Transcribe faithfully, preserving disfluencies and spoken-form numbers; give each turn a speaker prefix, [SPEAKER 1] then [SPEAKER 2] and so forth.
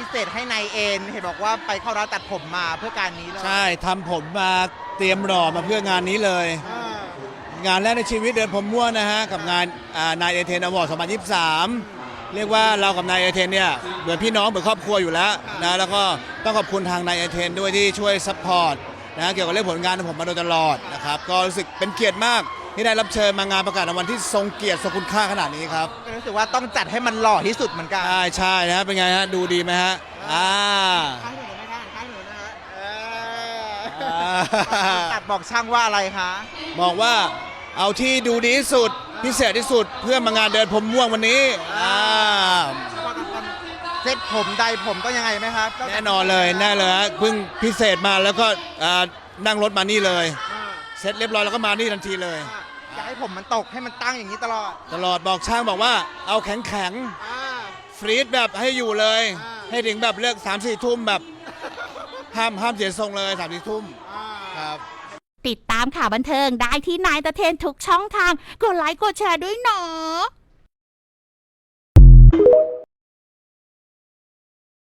[SPEAKER 1] เศษให้นายเอ็นเห็นบอกว่าไปเข้าร้านตัดผมมาเพื่อการนี้เลย
[SPEAKER 2] ใช่ทำผมมาเตรียมหล่อมาเพื่องานนี้เลย งานแรกในชีวิตเดินผมม่วนนะฮะกับงานนายเอเทนอวอร์ดสองพันยี่สิบสามเรียกว่าเรากับนายเอเทนเนี่ยเหมือนพี่น้องเหมือนครอบครัวอยู่แล้วนะแล้วก็ต้องขอบคุณทางนายเอเทนด้วยที่ช่วยซัพพอร์ตนะเกี่ยวกับเรื่องผลงานของผมมาโดยตลอดนะครับก็รู้สึกเป็นเกียรติมากที่ได้รับเชิญมางานประกาศรางวัลที่ทรงเกียรติทรงคุณค่าขนาดนี้ครับ
[SPEAKER 1] รู้สึกว่าต้องจัดให้มันหล่อที่สุดเหมือนกัน
[SPEAKER 2] ใช่ใช่นะเป็นไงฮะดูดีไหมฮะอ่า
[SPEAKER 1] ข้างหนูไหมคะข้างหนูนะฮะตัดบอกช่างว่าอะไรคะ
[SPEAKER 2] บอกว่าเอาที่ดูดีที่สุดพิเศษที่สุดเพื่อมางานเดินผมม่วงวันนี้อ่า
[SPEAKER 1] เซ็ตผมใดผมต้องยังไงไหมครับ
[SPEAKER 2] แน่นอนเลยแน่เลยฮะเพิ่งพิเศษมาแล้วก็นั่งรถมานี่เลยเสร็จเรียบร้อยแล้วก็มานี่ทันทีเลย
[SPEAKER 1] อยากให้ผมมันตกให้มันตั้งอย่างนี้ตลอด
[SPEAKER 2] ตลอดบอกช่างบอกว่าเอาแข็งแข็งฟรีดแบบให้อยู่เลยให้ถึงแบบเลิกสามสี่ทุ่มแบบห้ามห้ามเสียทรงเลยสามสี่ทุ่มครับ
[SPEAKER 3] ติดตามข่าวบันเทิงได้ที่นายตะเทนทุกช่องทางกดไลค์กดแชร์ด้วยเนาะ